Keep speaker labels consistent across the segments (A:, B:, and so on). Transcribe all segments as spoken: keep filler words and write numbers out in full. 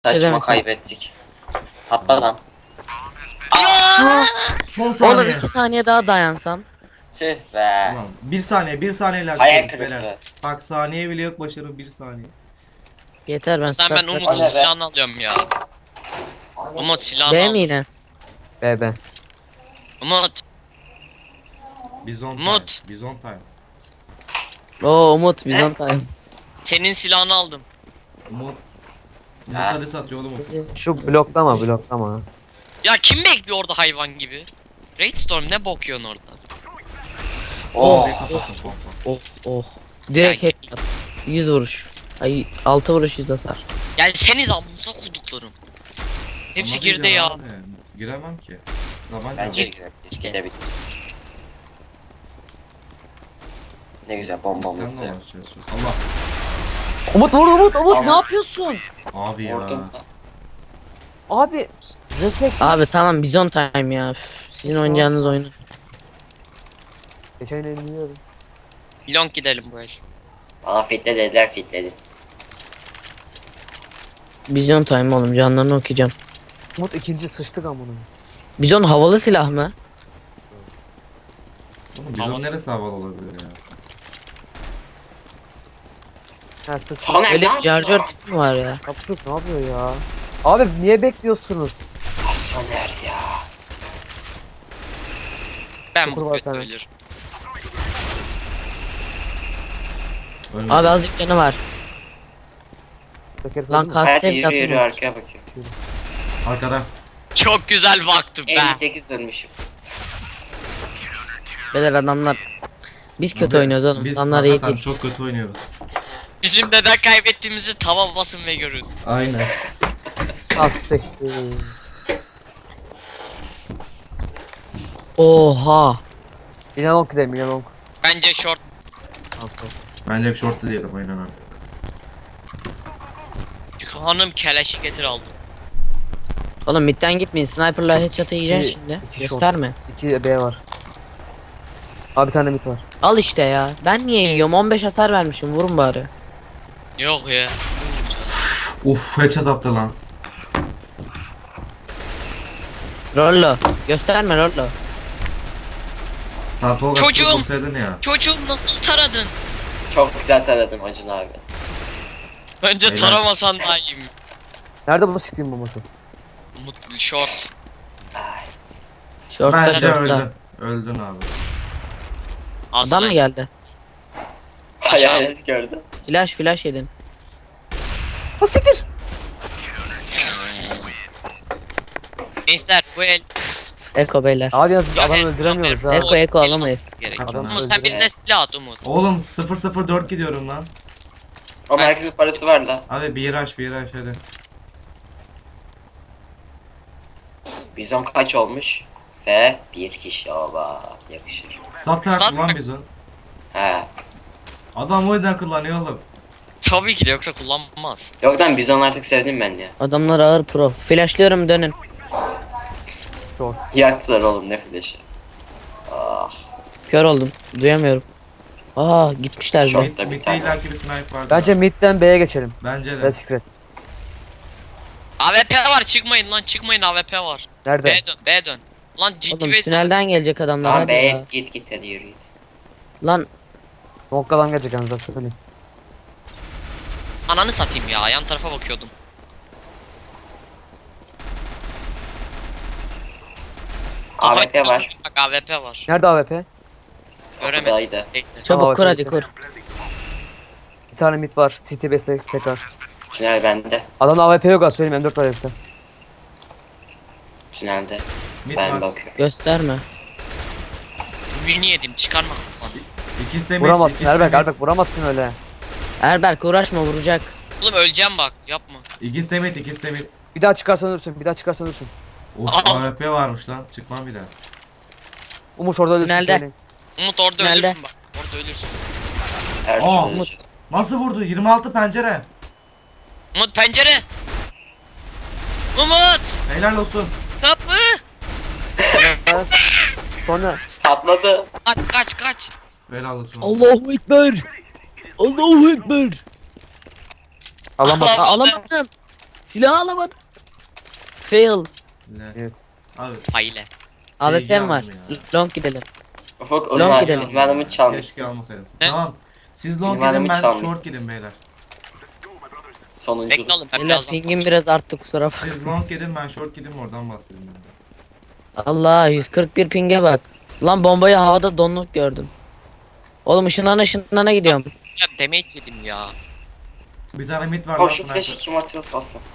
A: Saçma
B: Çözemesin.
A: kaybettik. Patla lan.
B: Aa!
C: Son
B: Oğlum
C: saniye.
B: iki saniye daha dayansam.
A: Tüh be.
C: Ulan bir saniye, bir saniyeyle
A: Hayal
C: atıyoruz beyler.
A: kırıklığı.
C: Bak saniye bile yok başarı bir saniye.
B: Yeter ben
D: Lan
B: start
D: ben
B: bırak-
D: Umut'un
A: Hadi be.
D: silahını alıyorum ya. Umut silahını
B: B
D: al.
B: mi yine?
E: B B.
D: Umut.
C: Bizon time.
D: Umut.
C: Bizon time.
B: Oo Umut biz on time.
D: Senin silahını aldım.
C: Umut. Umut
A: Ha.
C: hadi satıyor oğlum.
E: Şu bloklama bloklama.
D: Ya kim bekliyor orada hayvan gibi? Raidstorm ne bokuyorsun orada?
A: Oh.
C: Kapattım pompa.
B: Oh oh. Direkt
D: Ya,
B: headshot. yüz vuruş. Ay altı vuruş yüz hasar.
D: Gelseniz alnınıza koyduklarım. Hepsi
C: Ama
D: girdi
C: diyeceğim
D: ya.
C: abi, Giremem ki. Zaman
A: Bence
C: yok.
A: girelim. Biz gidebiliriz. Ne güzel bombamız
C: Sen de
A: yok.
C: uğraşacağız. Allah.
E: Umut vur Umut Umut
A: Tamam.
E: ne yapıyorsun?
C: Abi ya.
A: Vurdum.
E: Abi refleks.
B: Abi tamam bizon time ya. Üf, sizin oynayacağınız oyunu.
E: Geçen el biliyorum.
D: Long gidelim bu el.
A: Bana fitle dediler fitledim.
B: Bizon time oğlum canlarını okuyacağım.
E: Umut ikinci sıçtık amına.
B: Bizon havalı silah mı?
C: Oğlum bizon
D: Havalı.
C: neresi havalı olabilir ya?
E: Ha sıçtık.
A: Sana
B: Öyle
A: ne
B: bir charger
A: yapıyor?
B: tipi mi var ya?
E: Kapsuk ne yapıyor ya? Abi niye bekliyorsunuz?
A: Soner ya.
D: Ben
E: Sıfır
D: bu
E: var
D: kötü
E: sana.
D: ölür.
C: Ölmedi.
B: Abi azıcık canı var.
E: Teker
B: Lan
E: koydun mu?
B: kalk
A: Hadi
B: sev
A: yürü yürü
B: yapma.
A: arkaya bakıyorum.
C: Arkada.
D: Çok güzel baktım ben.
A: elli sekiz dönmüşüm.
B: Beyler adamlar. Biz kötü
C: Abi,
B: oynuyoruz oğlum.
C: Biz
B: Adamlar iyi
C: hakikaten
B: değil.
C: çok kötü oynuyoruz.
D: Bizim neden kaybettiğimizi tava basın ve görün.
C: Aynen.
E: Ah siktir.
B: Oha.
E: İnanok gidelim inanok.
D: Bence short.
C: Bence hep short diyelim aynen abi.
D: Hanım keleşi getir aldım.
B: Oğlum midden gitmeyin. Sniper'la headshot'ı yiyeceksin
E: İki-
B: şimdi.
E: iki shot.
B: Gösterme.
E: İki B var. Abi bir tane mit var.
B: Al işte ya. Ben niye yiyorum? on beş hasar vermişim. Vurun bari.
D: Yok ya.
C: Uf headshot attı lan.
B: Rollo. Gösterme Rollo.
C: Ta Tolga
D: Çocuğum.
C: vursaydın ya.
D: Çocuğum nasıl taradın?
A: Çok güzel taradım Acun abi.
D: Bence
C: Beyler.
D: taramasan daha iyiyim.
E: Nerede bu siktiğin bombası?
D: Mutlu short.
A: Ay.
B: Short'ta
C: Bence
B: short'ta.
C: öldün. Öldün abi.
B: Adam mı geldi?
A: Hayalet gördüm.
B: Flash flash yedin.
E: Ha siktir.
D: Gençler bu el.
B: Eko beyler.
E: Abi yalnız
D: Ya
E: adam
D: el-
E: öldüremiyoruz ha.
B: Eko eko alamayız.
D: Gerek.
C: Adam
D: Umut sen
E: öldürüyor.
D: birine silah at Umut.
C: Oğlum sıfır sıfır dört gidiyorum lan.
A: Ama herkesin parası var lan.
C: Abi bir aç bir aç hadi.
A: Bizon kaç olmuş? Ve bir kişi oba yakışır.
C: Satak
D: Sat-
C: lan bizon.
A: He.
C: Adam o yüzden kullanıyor oğlum.
D: Tabii ki de yoksa kullanmaz.
A: Yok lan Bizon artık sevdim ben ya.
B: Adamlar ağır pro. Flashlıyorum dönün.
A: Yaktılar oğlum ne flash'ı. Ah.
B: Kör oldum. Duyamıyorum. Aa gitmişler
A: Short.
B: bile.
A: Short'ta bir
C: Mid'de
A: tane.
C: illaki bir sniper vardı.
E: Bence midden B'ye geçelim.
C: Bence de.
E: Red Secret.
D: A W P var çıkmayın lan çıkmayın A W P var.
E: Nerede?
D: B dön B dön. Lan ciddi
B: Oğlum
D: bir
B: tünelden gelecek adamlar
A: Tamam
B: hadi
A: be
B: ya.
A: git git hadi yürü git.
B: Lan
E: Nokkadan gelecek yalnız söyleyeyim.
D: ananı satayım ya yan tarafa bakıyordum.
A: A W P var.
D: Bak A W P var.
E: Nerede A W P?
D: Göremedim.
A: Kapıdaydı.
D: Bekle.
B: çabuk
E: Tamam,
B: kur hadi
E: bakıyorum.
B: kur.
E: Bir tane mid var. City base tekrar.
A: Tünel bende.
E: Adamda A W P yok az söyleyeyim M dört var herifte.
A: Tünelde.
C: Mid
A: Ben
C: var.
A: bakıyorum.
B: Gösterme.
D: Ürünü yedim çıkarma. Lan.
C: İkisi de mid.
E: Vuramazsın
C: ikisi de
E: Erbek
C: mid.
E: Erbek vuramazsın öyle.
B: Erberk uğraşma vuracak.
D: Oğlum öleceğim bak yapma.
C: İkisi de mid, ikisi de mid.
E: Bir daha çıkarsan ölürsün bir daha çıkarsan ölürsün.
C: Of
D: Aa.
C: A W P varmış lan. Çıkmam bir daha.
E: Umut orada ölürsün
B: Tünelde.
E: söyleyeyim.
D: Umut orada
B: Tünelde.
D: ölürsün bak. Orada ölürsün.
A: Her
C: Aa,
A: türlü
C: Umut.
A: öleceğiz.
C: Nasıl vurdu? yirmi altı pencere.
D: Umut pencere. Umut.
C: Helal olsun.
D: Kapı.
E: Ha? Sonra
A: Patladı.
D: Kaç kaç kaç.
C: Helal olsun.
B: Allahu ekber. Allahu ekber.
E: alamadım.
B: Aa, alamadım. Silah alamadım. Fail.
C: Ne?
E: Evet.
C: Abi.
D: Faile.
B: A W
C: sevgi
B: P'm var.
C: aldım ya.
B: Long gidelim.
A: Ufuk
B: Long
A: ünvan,
B: gidelim.
A: ünvanımı
C: Keşke
A: çalmışsın.
C: almasaydım.
D: Ne?
C: Tamam. Siz long
A: Ünvanımı
C: gidin ben
A: çalmışsın.
C: short gidin beyler.
A: Sonuncu.
D: Bekle oğlum. Ben
B: Beyler
D: birazdan.
B: pingim biraz arttı kusura bakma.
C: Siz long gidin ben short gidin oradan bahsedeyim ben de.
B: Allah yüz kırk bir pinge bak. Lan bombayı havada donluk gördüm. Oğlum ışınlana ışınlana gidiyorum.
D: Ya damage yedim ya.
C: Bir tane mid var
A: O
C: lan
A: şu flash'ı
C: sniper.
A: kim atıyorsa atmasın.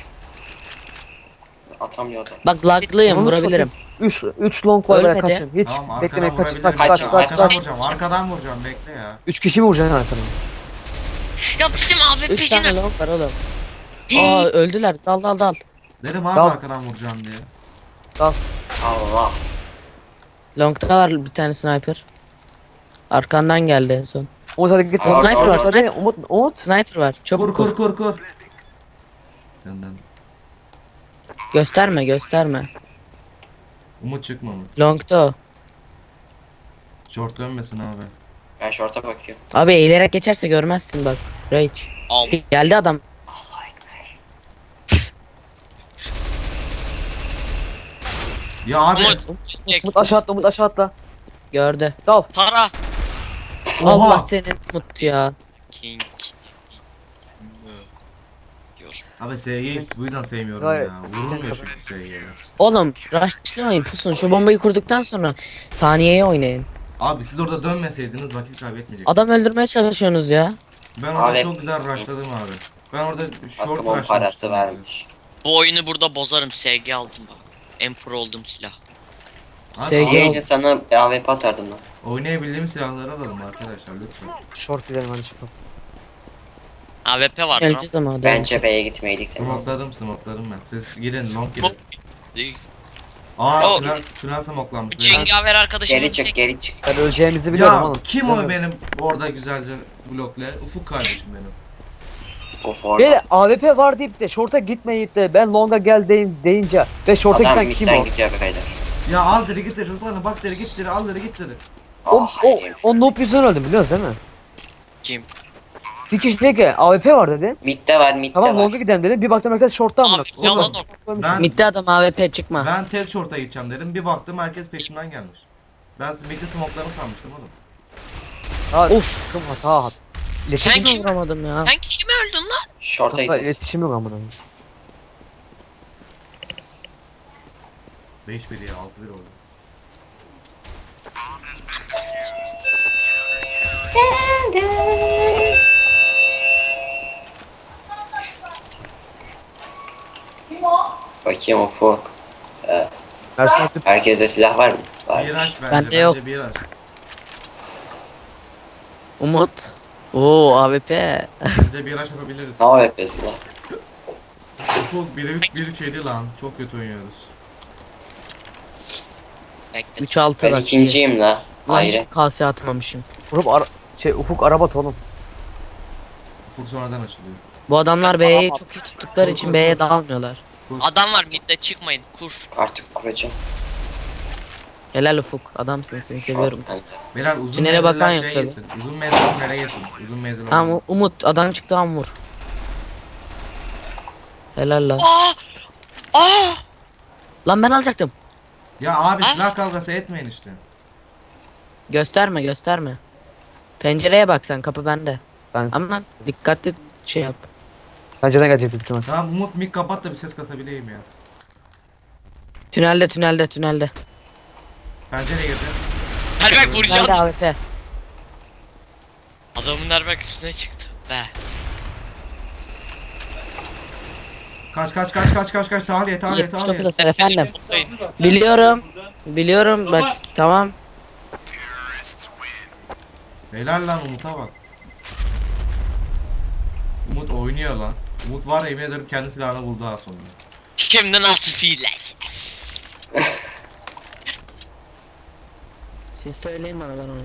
A: Atamıyordu.
B: Bak laglıyım
E: Onu
B: vurabilirim.
E: üç üç long var böyle
B: Ölmedi.
E: kaçın. Hiç
C: Tamam
E: bekleme
C: arkadan
E: kaç
C: vurabilirim.
E: kaç kaç
A: Kaç,
E: kaç
C: Arkadan
E: kaç.
C: vuracağım arkadan vuracağım bekle ya.
E: üç kişi mi vuracaksın arkadan?
D: Ya bizim A W
B: üç tane
D: P'cine.
B: long var oğlum. Aa öldüler. Dal dal dal.
C: Dedim abi
E: Tamam.
C: arkadan vuracağım diye.
A: Allah.
B: Long'da var bir tane sniper. Arkandan geldi en son.
E: Umut hadi git.
A: Aa,
B: sniper var,
E: Hadi Umut Umut.
B: Sniper var.
C: Kur
B: Çabuk
C: kur
B: kur.
C: kur kur. Yandan.
B: Gösterme gösterme.
C: Umut çıkma Umut.
B: Long'da o.
C: Short dönmesin abi.
A: Ben short'a bakıyorum.
B: Abi eğilerek geçerse görmezsin bak. Rage.
D: Al.
B: Geldi adam.
C: Ya abi.
D: Umut. Çek.
E: Umut aşağı atla Umut aşağı atla.
B: Gördü.
E: Dal.
D: Para.
C: Oha.
B: Allah senin mut ya.
D: King. Diyor.
C: Abi S'yi bu yüzden sevmiyorum
E: Hayır.
C: ya. Vurulmuyor çünkü S'ye.
B: Oğlum rushlamayın pusun. Şu bombayı kurduktan sonra saniyeye oynayın.
C: Abi siz orada dönmeseydiniz vakit kaybetmeyecek.
B: Adam öldürmeye çalışıyorsunuz ya.
C: Ben orada
A: Abi-
C: çok güzel rushladım abi. Ben orada short
A: Hakkım on
C: rushlamıştım.
A: parası vermiş.
D: Bu oyunu burada bozarım. S G aldım bak. En pro oldum silah.
C: Abi,
B: S G
C: abi,
A: Yayınca sana A W P atardım lan.
C: oynayabildiğimiz silahları alalım arkadaşlar lütfen.
E: Short gidelim hadi çıkalım.
D: A W P var lan.
B: Öleceğiz ama adam.
A: Bence B'ye gitmeydik senin olsun.
C: Smokladım smokladım ben. Siz gidin long gidin.
D: Değil.
C: Aa
D: O-
C: tünel, tünel smoklanmış.
D: Bu cengaver arkadaşım.
A: Geri çık geri çık.
E: Ben öleceğimizi biliyorum
C: Ya
E: oğlum.
C: kim o
E: Biliyorum.
C: benim orada güzelce blokla? Ufuk kardeşim benim.
A: Of orada.
E: Beyler A W P var deyip de short'a gitmeyip de ben longa gel deyin, deyince ve short'a
A: Adam
E: giden kim
A: midden
E: o?
A: gidiyor beyler.
C: Ya al deri git deri çocuklarına bak deri git deri al deri git deri.
E: O,
A: Ah,
E: o,
A: herif.
E: o noob yüzünden öldüm biliyoruz değil mi?
D: Kim?
E: Bir kişi dedi ki A W P var dedi.
A: Midde var midde
E: Tamam
A: var.
E: longa gidelim dedi. Bir baktım herkes short'ta amına.
D: Abi yalan
C: Oğlum.
D: o.
C: Ben
B: Midde adam A W P çıkma.
C: ben tel short'a gideceğim dedim. Bir baktım herkes peşimden gelmiş. Ben midde smoklarını sanmıştım oğlum.
E: Ha,
B: Of.
E: Ufum hata hat.
D: Sen
E: İletişim,
D: kim?
B: Vuramadım ya.
D: Sen kime öldün lan?
A: Short'a
E: Hatta
A: gidiyoruz.
E: iletişim yok amına.
C: beş bir ya altı bir oldu.
A: Bakayım Ufuk. Ee,
E: Ersin atıp
A: herkeste silah var mı? Var.
C: Miraç bence.
B: Bende
C: bence
B: yok.
C: Miraç.
B: Umut. Oo A W P.
C: Bence Miraç yapabiliriz.
A: Ne yapıyorsun lan?
C: Ufuk bir üç bir üç yedi lan. Çok kötü oynuyoruz.
D: Bekle.
B: üç altı
A: Ben
B: bak.
A: ikinciyim la.
B: Lan
A: Ayrı.
B: hiç kase atmamışım.
E: vurup ara şey Ufuk arabat oğlum.
C: Ufuk sonradan açılıyor.
B: Bu adamlar B'yi çok iyi tuttukları için B'ye dalmıyorlar.
D: Adam var midde çıkmayın. Kur.
A: Artık kuracağım.
B: Helal Ufuk. Adamsın seni seviyorum.
A: Short bende.
C: Beyler uzun
B: Tünele bakan
C: menziller
B: yok
C: şey
B: tabii.
C: yesin. Uzun menzil tünele yesin. Uzun menzil
B: Tamam
C: olmaz.
B: U- Umut adam çıktı tam vur. Helal lan.
D: Aa! Aa!
B: Lan ben alacaktım.
C: Ya abi
D: Ha?
C: silah kavgası etmeyin işte.
B: Gösterme gösterme. Pencereye bak sen kapı bende.
E: Ben
B: Ama dikkatli şey yap.
E: pencereden gelecek büyük ihtimal.
C: Tamam Umut mik kapat da bir ses kasabileyim ya.
B: Tünelde tünelde tünelde.
C: Pencereye girdi.
D: Erbek vuracağım.
B: Tünelde A W P.
D: Adamın erbek üstüne çıktı. Be.
C: Kaç kaç kaç kaç kaç kaç tahliye tahliye
B: yetmiş
C: tahliye.
B: dokuz hasar efendim.
D: Mutlayın.
B: Biliyorum. Biliyorum bak tamam.
C: Helal lan Umut'a bak. Umut oynuyor lan. Umut var ya yemin ederim kendi silahını buldu daha sonra.
D: Şimdi nasıl fiiller?
B: Siz söyleyin bana ben onu.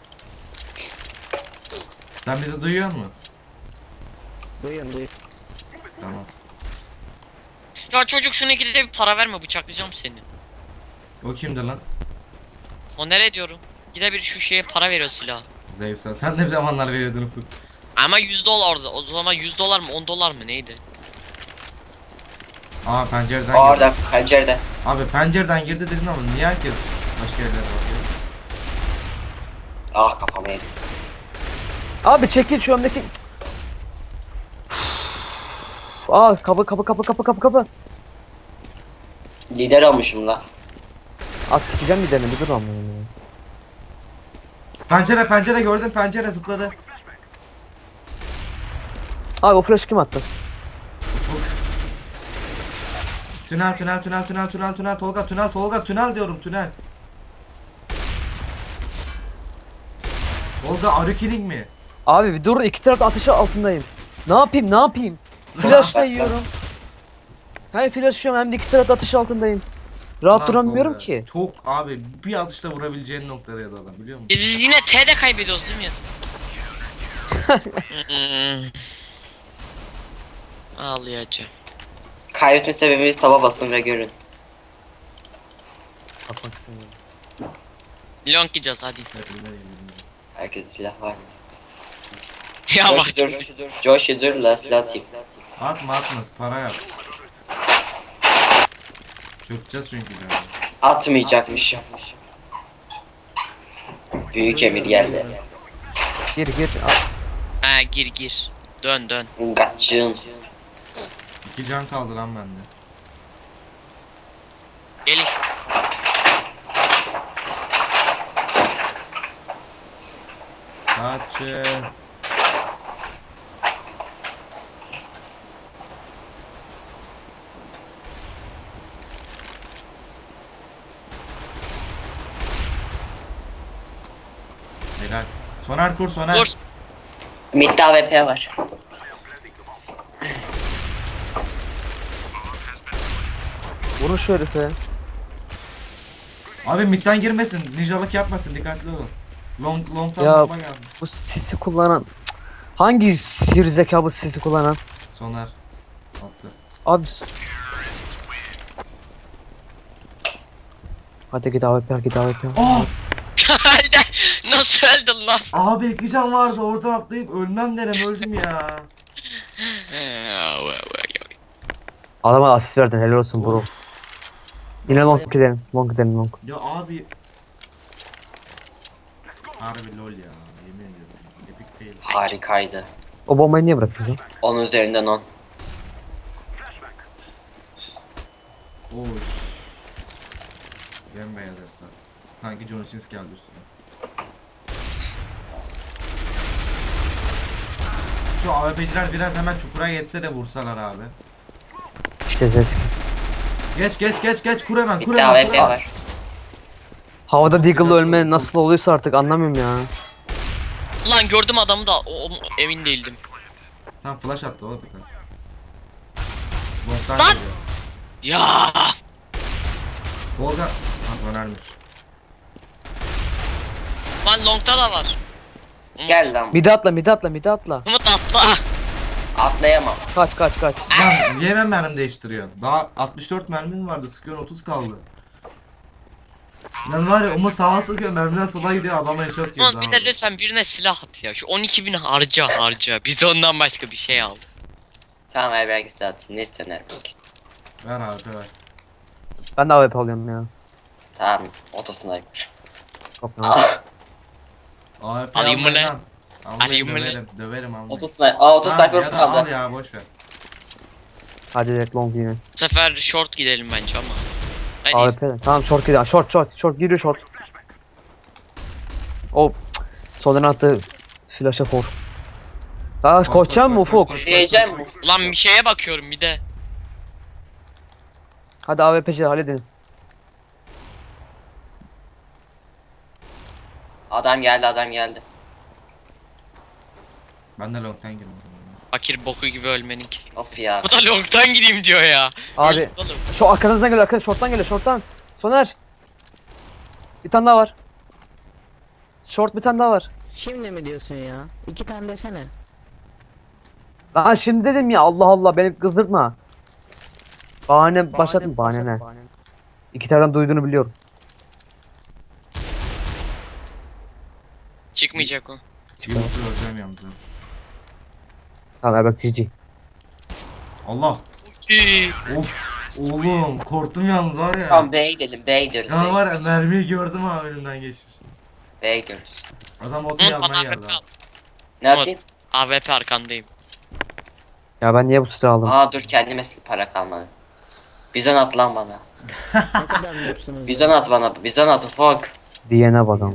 C: Sen bizi duyuyor musun?
B: Duyuyorum duyuyorum.
C: Tamam.
D: Ya çocuk şuna gidip bir para verme bıçaklayacağım seni.
C: O kimdi lan?
D: O nereye diyorum? Gide bir şu şeye para veriyor silah.
C: Zevsel. Sen ne zamanlar veriyordun Ufuk?
D: Ama yüz dolar orada. O zaman yüz dolar mı on dolar mı neydi?
C: Aa pencereden girdi.
A: Orada pencerede.
C: Abi pencereden girdi dedin ama niye herkes başka yerlere bakıyor?
A: Ah kafama yedim.
E: Abi çekil şu öndeki. Aa kapı kapı kapı kapı kapı kapı.
A: Lider olmuşum la.
E: Az sikeceğim bir denem bir dur anlayayım ya.
C: Pencere pencere gördüm, pencere zıpladı.
E: Abi o flash kim attı?
C: Ufuk. Tünel tünel tünel tünel tünel tünel Tolga tünel Tolga tünel diyorum tünel. Tolga are you kidding mi?
E: Abi bir dur, iki taraf ateşi altındayım. Ne yapayım ne yapayım? Flash da yiyorum. Hem flash yiyorum hem de iki taraf ateş altındayım. Rahat
C: Lan
E: duramıyorum
C: Tolga,
E: ki.
C: Çok abi bir atışta vurabileceğin noktaya da adam biliyor musun?
D: Biz yine T'de kaybediyoruz değil mi? Hmm. Ağlayacağım.
A: Kaybetme sebebimiz taba basın ve görün.
E: Bakmak istemiyorum.
D: Long gideceğiz hadi.
A: Herkes silah var mı?
D: Ya bak.
A: Josh dur. Josh dur la silah atayım.
C: Atma atma para yap. Çökeceğiz çünkü yani.
A: Atmayacakmışım. Büyük emir geldi.
E: Gir gir.
D: Ha gir gir. Dön dön.
A: Gaççığın.
C: İki can kaldı lan bende.
D: Gelin.
C: Kaçın. Helal. Soner kur soner.
D: Dur.
A: Midde A W P var.
E: Vurun şu herife.
C: Abi midden girmesin. Ninjalık yapmasın. Dikkatli olun. Long long'tan
E: Ya-
C: bomba geldi.
E: Bu sisi kullanan. Cık. Hangi sihir zeka bu sisi kullanan?
C: Soner. Attı.
E: Abi. Hadi git A W P git A W P.
C: Aa!
D: Nasıl öldün lan?
C: Abi iki can vardı. Oradan atlayıp ölmem derim. Öldüm ya.
E: Adama asist verdin, helal olsun bro. Yine long gidelim, long gidelim long.
C: Ya abi. Harbi lol ya. Yemin ediyorum. Epic fail.
A: Harikaydı.
E: O bombayı niye bırakıyorsun?
A: on üzerinden on.
C: Oş. Bembeyaz etler. Sanki John Sins geldi üstüne. Şu A W P'ciler biraz hemen çukura geçse de vursalar abi.
E: İşte zesk.
C: Geç geç geç geç kur hemen kur
A: Midde A
C: hemen
A: W
C: kur
A: P
C: hemen.
A: var.
E: Havada Deagle'la ölme nasıl oluyorsa artık anlamıyorum ya.
D: Lan gördüm adamı da o, o- emin değildim.
C: Tam flash attı o dikkat. Bottan
D: Lan!
C: geliyor.
D: Ya.
C: Volga. Ha önermiş.
D: Lan long'da da var.
A: Gel lan.
E: Mide atla mide atla mide atla.
D: Umut atla.
A: Atlayamam.
E: Kaç kaç kaç.
C: Lan niye ben mermi değiştiriyorsun? Daha altmış dört mermin vardı sıkıyorsun otuz kaldı. Lan var ya Umut sağa sıkıyor mermiler sola gidiyor adama headshot girdi
D: Umut bir de
C: abi.
D: lütfen birine silah at ya. Şu on iki bin harca harca. Biz de ondan başka bir şey al.
A: Tamam Erberk'e silah atayım. Ne istiyorsun Erberk?
C: Ver abi ver.
E: Ben de A W P alıyorum ya.
A: Tamam. Otosniper.
E: Kapıyorum.
C: A W P
D: Alayım mı
C: almayın
D: lan?
C: lan. Almayın,
D: Alayım mı lan?
C: döverim, döverim almayın.
A: Otosniper. Aa otosniper
C: Tamam, ya da al
A: kaldı.
C: ya boş ver.
E: Hadi direkt long yine.
D: Bu sefer short gidelim bence ama. Hadi.
E: A W P. Tamam short gidiyor. Short short short giriyor short. O soldan attı flash'a for. Daha
C: Koş,
E: koşacağım mı
C: koş, koş,
E: Ufuk?
C: koş.
A: Diyeceğim mi?
D: Ulan bir şeye bakıyorum bir de.
E: Hadi A W P'ciler halledin.
A: Adam geldi adam geldi.
C: Ben de long'tan girdim.
D: Fakir boku gibi ölmenik.
A: Of ya.
D: Bu da long'tan gideyim diyor ya.
E: Abi
D: Öldük oğlum.
E: şu arkanızdan geliyor arkadaş short'tan geliyor short'tan. Soner. Bir tane daha var. Short bir tane daha var.
B: Şimdi mi diyorsun ya? İki tane desene.
E: Lan şimdi dedim ya Allah Allah beni kızdırtma. Bahane başladım bahane ne? İki taraftan duyduğunu biliyorum.
D: Çıkmayacak o.
C: Yumurta öleceğim yalnız.
E: Tamam Erbek G G.
C: Allah.
D: Üy.
C: Of. Oğlum korktum yalnız var ya.
A: Tamam B'ye gidelim. B'ye gidiyoruz.
C: Ya
A: B'ye
C: var ya
A: gidiyoruz.
C: mermiyi gördüm ha önümden geçmiş.
A: B'ye gidiyoruz.
C: Adam otoyu
D: Hı,
C: almaya
D: bana
C: geldi
D: A W P
C: abi.
D: al.
A: Ne atayım?
D: A W P arkandayım.
E: Ya ben niye bu silahı aldım?
A: Aa dur kendime para kalmadı. Bizon at lan bana.
B: Ne kadar mutsuzsunuz.
A: Bizon at bana. Bizon at ufak.
E: Diyene bakalım.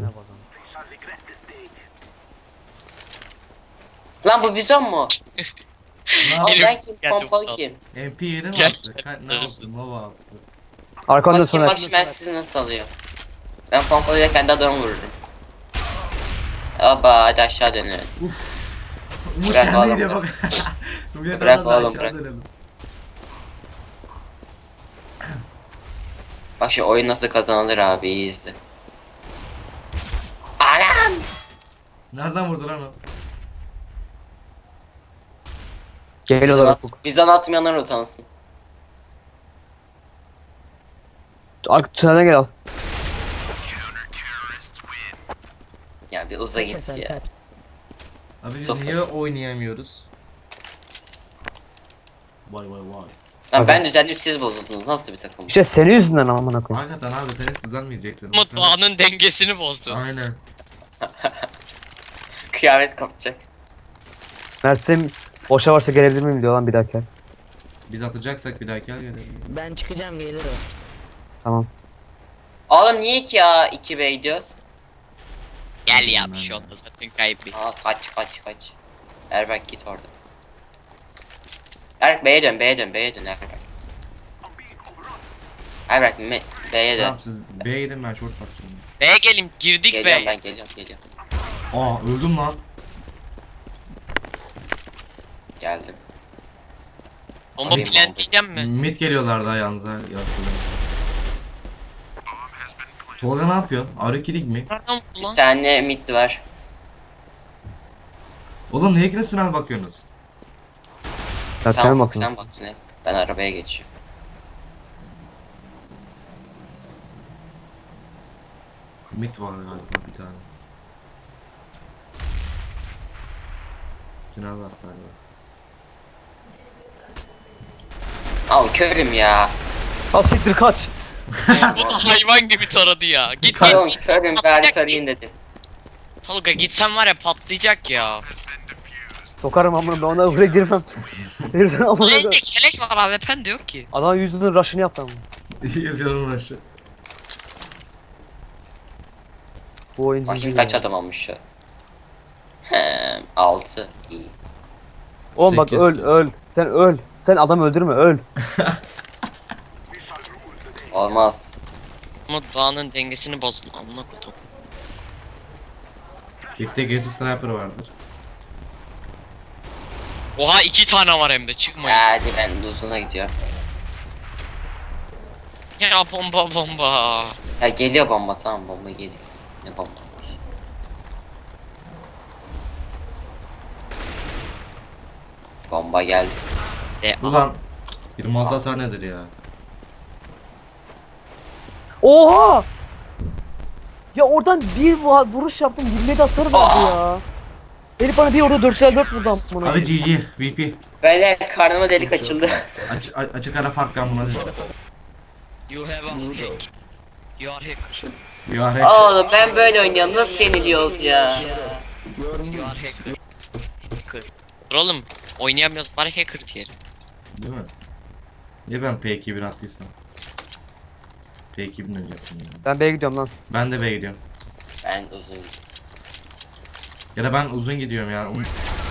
A: Lan bu bizon mu?
C: Ne
A: Aa
C: yaptın?
A: ben kim?
D: Geldim,
A: Pompalı
D: al.
A: kim?
C: M P yedi mi
D: Gel,
C: attı?
D: gel,
C: Ka- ne
D: gel.
C: yaptın? Baba attı.
E: Arkanda
A: Bakayım
E: sonra.
A: bakayım ben sizi nasıl alıyorum. Ben pompalıyla kendi adamı vururum. Aba hadi aşağı dönelim.
C: Umut
A: Bırak
C: kendi
A: oğlum,
C: gidiyor
A: bırak.
C: bak. Umut
A: Bırak
C: adam da
A: oğlum,
C: aşağı
A: bırak.
C: dönelim.
A: Bak şu oyun nasıl kazanılır abi iyi izle. Anam!
C: Nereden vurdu lan o?
A: Bizden,
E: Geliyorlar
A: at,
E: Ufuk.
A: bizden atmayanlar utansın.
E: Arka tünele gel al.
A: Ya bir uza git ya.
C: Abi biz
A: Sıfır.
C: niye oynayamıyoruz? Vay vay vay.
A: Lan ben düzeldim siz bozuldunuz. Nasıl bir takım?
E: İşte senin yüzünden amına koyayım.
C: Hakikaten abi sen hiç düzelmeyecektin.
D: Umut doğanın dengesini bozdu.
C: Aynen.
A: Kıyamet kopacak.
E: Mersim boşa varsa gelebilir miyim diyor lan bir dahaki.
C: Biz atacaksak bir dahaki gel gelelim.
B: Ben çıkacağım gelir o.
E: Tamam.
A: Oğlum niye ki ya iki B gidiyoruz?
D: Gel ya bir şey oldu zaten kaybı.
A: Aa kaç kaç kaç. Erbek git orada. Erbek B'ye dön B'ye dön B'ye dön Erbek. Erbek me- B'ye dön.
C: Tamam siz B'ye gidin ben short bakacağım.
D: B'ye gelin girdik
A: Geliyorum
D: be.
A: ben geliyorum geliyorum.
C: Aa öldüm lan.
A: Geldim.
D: Bomba
A: Alayım
D: plant diyeceğim mi?
C: Mid geliyorlar daha yalnız ha. Yastılar. Tolga ne yapıyor? Arı kilik mi?
D: Nereden vurdu
A: Bir
D: lan?
A: tane mid var.
C: Oğlum neye süren bakıyorsunuz?
E: Ya
A: Tamam
E: sen
A: Fox
E: bakın.
A: sen bak ne. Ben arabaya geçiyorum.
C: Mid var galiba bir tane. Tünel var galiba.
A: Al körüm ya.
E: Al siktir kaç.
D: Bu da hayvan gibi taradı ya. Git
A: Oğlum
D: git.
A: körüm bari sarayım dedim.
D: Tolga gitsen var ya patlayacak ya.
E: Sokarım amına ben ona buraya girmem. Herifin amına
D: Elinde
E: koyayım.
D: keleş var A W P'n de yok ki.
E: Adam yüzünün rush'ını yaptı ama.
C: Yazıyorum aşağı.
E: Bu oyun
A: Bakayım
E: cici
A: kaç
E: ya.
A: adam olmuş şu. Hem altı iyi.
E: Oğlum bak
C: Sekiz.
E: öl öl. Sen öl. Sen adam öldürme öl.
A: Olmaz.
D: Umut doğanın dengesini bozdun amına kodum.
C: Gitti gerisi sniper vardır.
D: Oha iki tane var hem de çıkmayın.
A: Hadi ben de uzuna gidiyorum.
D: Ya bomba bomba.
A: Ya geliyor bomba tamam bomba geliyor. Ne bomba? Bomba geldi.
D: E,
C: Ulan yirmi altı hasar nedir ya?
E: Oha! Ya oradan bir vu- vuruş yaptım yirmi yedi hasar verdi ya. Herif bana bir orada dört dört vurdu amına.
C: Abi G G V P.
A: Böyle karnıma delik açıldı.
C: Aç, a- açık ara fark kan buna.
D: You have a hack. You are hacker.
C: You are hack.
A: Oğlum ben böyle oynuyorum nasıl seni diyoruz ya.
D: You are hacker. Dur oğlum oynayamıyoruz bari hacker diyelim.
C: Değil mi? Niye ben P iki bir attıysam? P iki bin öncesin ya.
E: Ben B'ye gidiyorum lan.
C: Ben de B'ye gidiyorum.
A: Ben uzun gidiyorum.
C: Ya da ben uzun gidiyorum ya. Um-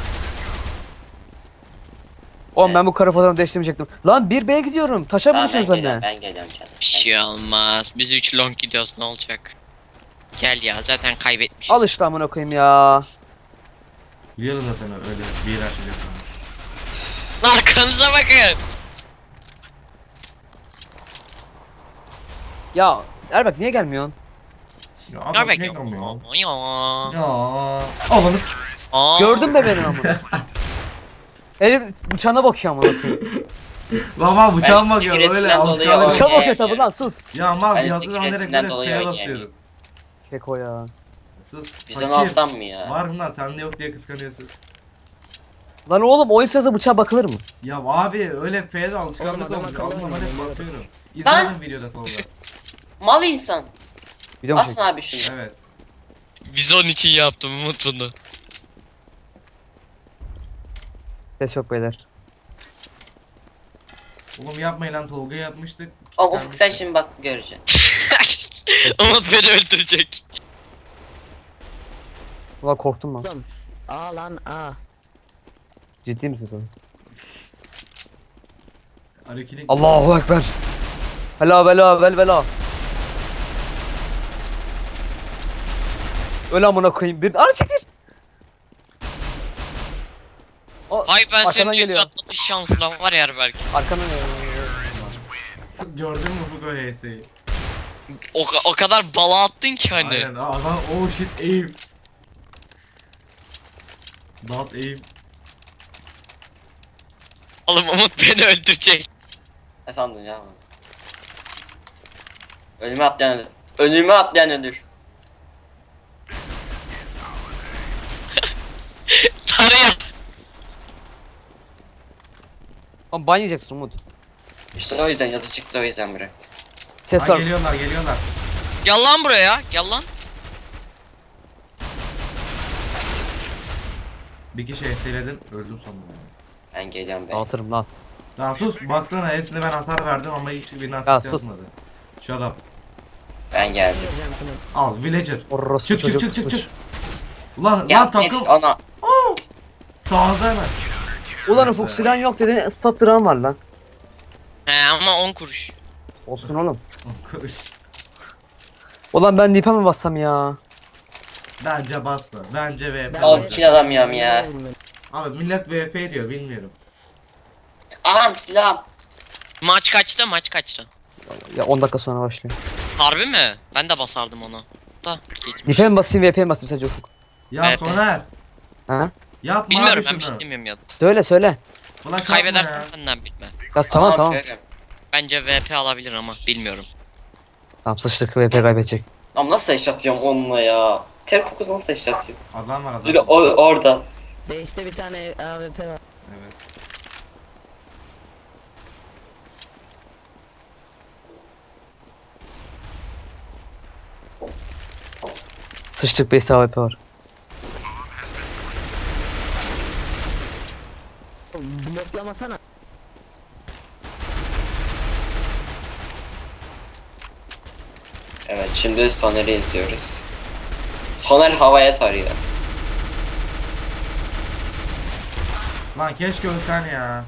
E: Oğlum ben bu kara fotoğrafı değiştirmeyecektim. Lan bir B'ye gidiyorum. Taşa mı
A: Tamam ben
E: düşüyoruz
A: geliyorum
E: benden?
A: ben geliyorum canım.
D: Bir şey olmaz. Biz üç long gidiyoruz ne olacak? Gel ya zaten kaybetmişiz.
E: Al işte amına koyayım ya.
C: Biliyorum zaten öyle bir yer açacak.
D: Arkanıza bakın.
E: Ya Erbek niye gelmiyorsun?
C: Ya
D: Ne
C: adam ne
D: bekliyor?
C: kalmıyor?
D: Ya.
C: Ya Allah'ım.
D: Aa.
E: Gördün mü beni amına? Herif bıçağına bakıyor amına koyayım.
C: Baba bıçağım
A: Ben
C: bakıyor
A: sinir
C: öyle
A: stresimden
C: alışkanlık.
A: dolayı
E: Bıçağa bakıyor
A: oynayamıyorum.
E: tabi lan sus.
C: Ya mal
A: Ben
C: yazdığı zaman direkt
A: stresinden
C: böyle
A: dolayı
C: F'ye
A: oynayamıyorum.
C: basıyorum.
E: Keko ya.
C: Sus.
A: Biz onu
C: fakir.
A: alsam mı ya?
C: Var mı lan sende yok diye kıskanıyorsun.
E: Lan oğlum oyun sırasında bıçağa bakılır mı?
C: Ya abi öyle F'de alışkanlık
B: Oğlum, adam
C: olmuş.
B: akıllı
C: Almadan
B: oynuyor,
C: hep
B: doğru.
C: basıyorum. İzledim videoda Tolga.
A: Mal insan.
E: Biliyor musun?
A: Asma abi şunu.
C: Evet.
D: Biz onun için yaptım Umut bunu.
E: Ses yok beyler.
C: Oğlum yapmayın lan, Tolga yapmıştık.
A: Ama Ufuk sen şimdi bak göreceksin.
D: Umut beni öldürecek.
E: Ulan korktum lan.
B: Oğlum. Aa lan aa.
E: Ciddi misin sen?
C: Hareketi...
E: Allahu ekber. Hela vela vel vela. Öl amına koyayım bir. Ana siktir. O,
D: Ay ben
E: arkadan
D: senin
E: geliyor.
D: yüz atlatış şansına var ya belki.
E: Arkadan
C: Gördün mü bu H S'yi?
D: O, ka- o kadar bala attın ki hani.
C: Aynen adam oh shit aim. Not aim.
D: Oğlum Umut beni öldürecek.
A: Ne sandın ya? Önüme atlayan ölür. Önüme atlayan ölür.
D: Taraya.
E: Ama ban yiyeceksin Umut.
A: İşte o yüzden yazı çıktı, o yüzden bıraktım.
E: Ses
C: Ha,
E: var.
C: geliyorlar geliyorlar.
D: Gel lan buraya. Gel lan.
C: Bir kişi H S'ledim öldüm sonunda.
A: Ben geliyorum be.
E: Dağıtırım lan.
C: Daha sus baksana, hepsine ben hasar verdim ama hiçbirine hasar
E: Ya sus.
C: yapmadı. Shut up.
A: Ben geldim.
B: Göreceğim şunu.
C: Al villager.
E: Orospu
C: Çık çık
E: çocuk
C: çık çık
E: kızmış.
C: çık. Ulan
A: Ya
C: lan takım.
A: Medik ana.
C: Sağda hemen.
E: Ulan
C: Neyse.
E: Ufuk silahın yok dedin, stat duran var lan.
D: He ama on kuruş.
E: Olsun oğlum.
C: Koş.
E: Ulan ben dipe mi bassam ya?
C: Bence bastı. Bence V P.
B: Ben
A: Oğlum
B: de-
A: kill alamıyorum ya.
C: Abi millet V P diyor bilmiyorum.
A: Aham silahım.
D: Maç kaçta maç kaçta?
E: Ya on dakika sonra başlıyor.
D: Harbi mi? Ben de basardım ona. Da geç.
E: Dipe mi basayım V P mi basayım sence Ufuk?
C: Ya
D: Evet.
C: Soner.
E: Ha?
C: Yapma
D: Bilmiyorum
C: abi
D: ben bir
C: şunu.
D: şey demiyorum ya.
E: Söyle söyle.
C: Ulan yapma
D: Kaybedersen
C: ya.
D: senden bitme.
E: Ya tamam
A: Aham,
E: tamam.
A: görüyorum.
D: Bence V P alabilir ama bilmiyorum.
E: Tamam sıçtık V P kaybedecek.
A: Ama nasıl eş atıyorum onunla ya? Ter kokusu nasıl eş atıyor?
C: Adam var adam.
A: Bir de o orada.
B: Değişte bir tane A W P var.
C: Evet.
E: Sıçtık beş A W P var.
B: Bloklamasana.
A: Evet şimdi Soner'i izliyoruz. Soner havaya tarıyor.
C: Lan keşke ölsen ya.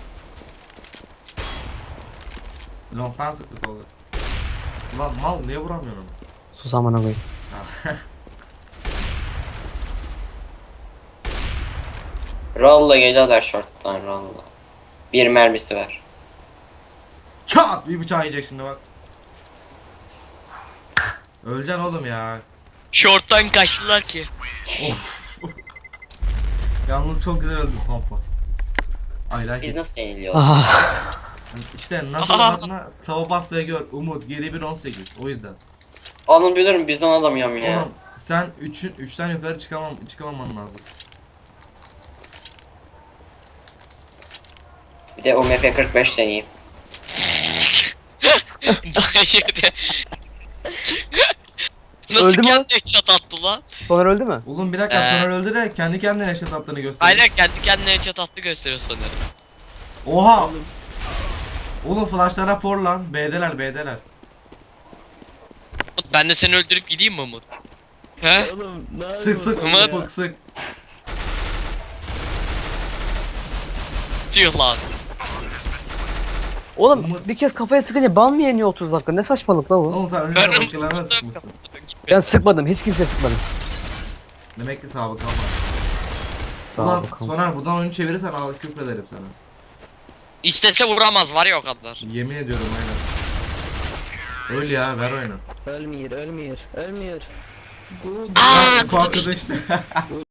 C: Long'dan sıktık olur. Lan mal niye vuramıyorum?
E: Sus amına koyayım.
A: Rolla geliyorlar short'tan Rolla. Bir mermisi var.
C: Çat! Bir bıçağı yiyecek şimdi bak. Öleceksin oğlum ya.
D: Short'tan kaçtılar ki.
C: Of. Yalnız çok güzel öldüm pompa. I like
A: Biz
C: it.
A: nasıl yeniliyoruz?
E: Ah.
C: İşte nasıl adına tava bas ve gör. Umut geri bir on sekiz. O yüzden.
A: Onu biliyorum bizden alamıyorum ya.
C: Oğlum sen üçün üçten yukarı çıkamam çıkamaman lazım.
A: Bir de U M P kırk beş deneyeyim.
D: Daha yedi. Nasıl
E: Öldü mü?
D: kendi headshot attı lan?
E: Soner öldü mü?
C: Oğlum bir dakika
D: Ee.
C: sonra öldü de kendi kendine yaşat attığını gösteriyor.
D: Aynen kendi kendine headshot attı gösteriyor sanırım.
C: Oha! Oğlum flashlara for lan. B'deler B'deler.
D: Umut ben de seni öldürüp gideyim mi Umut? He?
B: Oğlum ne
C: Sık sık
D: Umut.
C: Ufuk sık.
D: Tüh lan.
E: Oğlum
C: Umut-
E: bir kez kafaya sıkınca ban mı yeniyor otuz dakika? Ne saçmalık la bu?
C: Oğlum sen
D: Ben
C: önceden başkalarına sıkmışsın.
E: Ben sıkmadım, hiç kimse sıkmadım.
C: Demek ki sabık ama.
E: Sağ
C: Ulan
E: ol. bakalım.
C: Soner buradan oyunu çevirirsen al küfrederim sana.
D: İstese vuramaz var ya o kadar.
C: Yemin ediyorum aynen. Öl ya ver oyunu.
B: Ölmüyor, ölmüyor, ölmüyor. Bu
D: Aa,
C: Ufak arkadaşlar.